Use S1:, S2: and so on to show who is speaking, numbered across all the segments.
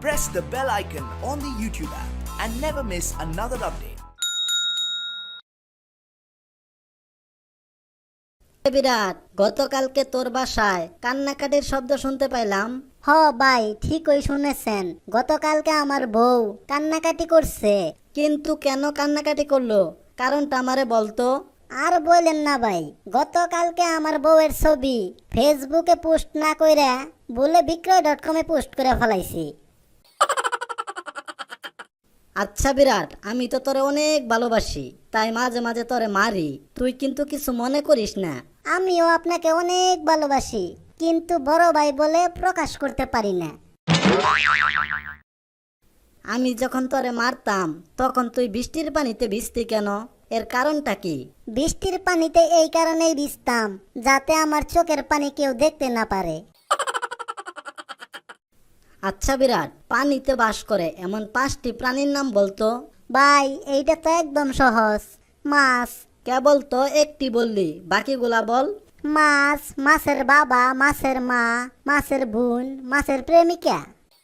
S1: press the bell icon on the YouTube app and never miss another update.
S2: বিরাট, গতকালকে তোর বাসায় কান্নাকাটির শব্দ শুনতে পাইলাম।
S3: হ ভাই, ঠিকই শুনেছেন। গতকালকে আমার বউ কান্নাকাটি করছে।
S2: কিন্তু কেন কান্নাকাটি করলো, কারণটা আমারে বলতো।
S3: আর বলেন না ভাই, গতকালকে আমার বউয়ের ছবি ফেসবুকে পোস্ট না কইরা বলে বিক্রয়.com এ পোস্ট করে ফেলাইছি।
S2: আচ্ছা বিরাট, আমি তো তোরে অনেক ভালোবাসি, তাই মাঝে মাঝে তোরে মারি, তুই কিন্তু কিছু মনে করিস না।
S3: আমিও আপনাকে অনেক ভালোবাসি, কিন্তু বড় ভাই বলে প্রকাশ করতে পারি না।
S2: আমি যখন তোরে মারতাম তখন তুই বৃষ্টির পানিতে ভিজতি কেন, এর কারণটা কি?
S3: বৃষ্টির পানিতে এই কারণেই ভিজতাম যাতে আমার চোখের পানি কেউ দেখতে না পারে।
S2: আচ্ছা বিরাট, পানিতে বাস করে এমন 5টি প্রাণীর নাম বলতো।
S3: ভাই এইটা তো একদম সহজ। মাছ।
S2: কেবল তো একটি বললি, বাকিগুলা বল।
S3: মাছ, মাছের বাবা, মাছের মা, মাছের বোন, মাছের প্রেমিকা।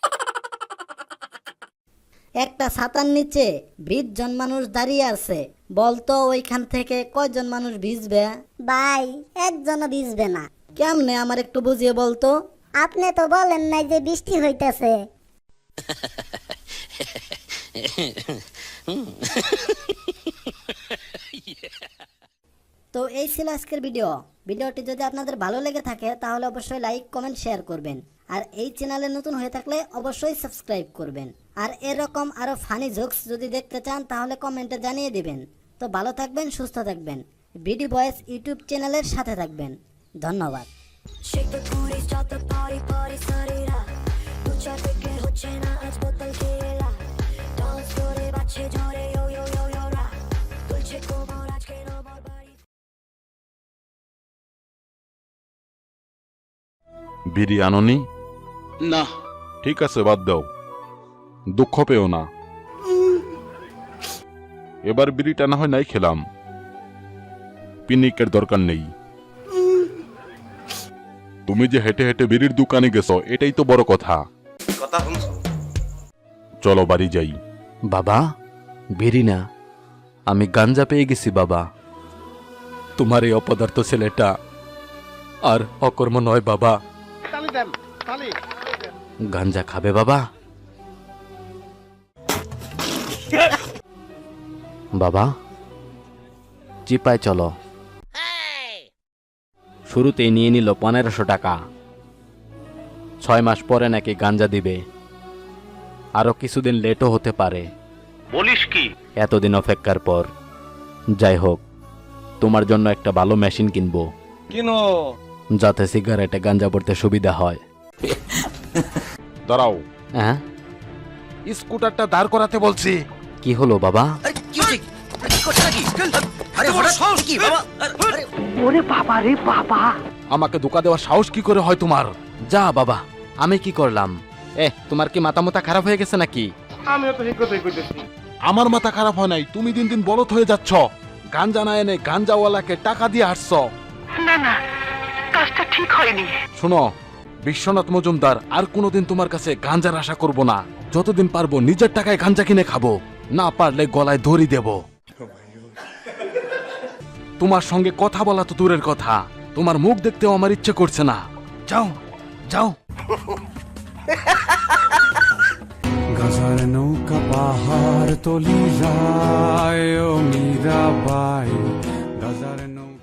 S2: একটা ছাতার নিচে 20 জন মানুষ দাঁড়িয়ে আছে, বলতো ওইখান থেকে কয়জন মানুষ ভিজবে?
S3: ভাই একজনও ভিজবে না।
S2: কেমনে, আমার একটু বুঝিয়ে বলতো।
S3: আপনি তো বলেন নাই যে বৃষ্টি হইতেছে।
S2: তো এই ছিল আজকের ভিডিওটি যদি আপনাদের ভালো লেগে থাকে তাহলে অবশ্যই লাইক, কমেন্ট, শেয়ার করবেন। আর এই চ্যানেলে নতুন হয়ে থাকলে অবশ্যই সাবস্ক্রাইব করবেন। আর এরকম আরো ফানি জোকস যদি দেখতে চান তাহলে কমেন্টে জানিয়ে দিবেন। তো ভালো থাকবেন, সুস্থ থাকবেন, বিডি বয়েস ইউটিউব চ্যানেলের সাথে থাকবেন। ধন্যবাদ।
S4: Shake the booty, start the party, party started up. Lucha থেকে হচ্ছে না আজ বোতল খেলা। Dance করে বাজছে জোরে yo yo yo yo ra. তুলছে কোমর আজকে নমর বাড়ি।
S5: বিড়ি আনোনি?
S6: না।
S5: ঠিক আছে, বাদ দাও, দুঃখ পেও না। এবার বিড়িটা না হয় নাই খেলাম, পিনিকের দরকার নেই। তুমি যে হেঁটে হেঁটে বিড়ির দোকানে গেছো এটাই তো বড় কথা। চলো বাড়ি যাই।
S6: বাবা, বিড়ি না, আমি গাঞ্জা পেয়ে গেছি বাবা। তোমার এই অপদার্থ ছেলেটা আর অকর্ম নয় বাবা। গাঞ্জা খাবে বাবা? বাবা চিপায় চলো। শুরুতেই নিয়ে নিল 1500 টাকা। 6 মাস পরে নাকি গাঞ্জা দিবে, আরো কিছুদিন লেটও হতে পারে।
S7: বলিস কি?
S6: এতদিন অপেক্ষার পর। যাই হোক, তোমার জন্য একটা ভালো মেশিন কিনবো, যাতে সিগারেটে গাঞ্জা পড়তে সুবিধা হয়।
S5: দাঁড়াও,
S6: হ্যাঁ
S5: স্কুটারটা দাঁড় করাতে বলছি।
S6: কি হলো বাবা?
S5: আমাকে ধোকা দেওয়ার সাহস কি করে হয় তোমার?
S6: যা বাবা, আমি কি করলাম? তোমার কি মাথা মোতা খারাপ হয়ে গেছে নাকি?
S5: আমার মাথা খারাপ হয় নাই, তুমি দিন দিন বলত হয়ে যাচ্ছ। গাঞ্জা না এনে গাঞ্জাওয়ালাকে টাকা দিয়ে আসছ।
S7: না, কাজটা ঠিক হয়নি।
S5: শোনো বিশ্বনাথ মজুমদার, আর কোনোদিন তোমার কাছে গাঞ্জার আশা করব না। যতদিন পারবো নিজের টাকায় গাঞ্জা কিনে খাবো, না পারলে গলায় দড়ি দেব। তোমার সঙ্গে কথা বলা তো দূরের কথা, তোমার মুখ দেখতেও আমার ইচ্ছে করছে না। যাও যাও।
S8: গাজার নৌকা পাহাড় তলি যায় ও মীরাবাই, গাজার নৌকা।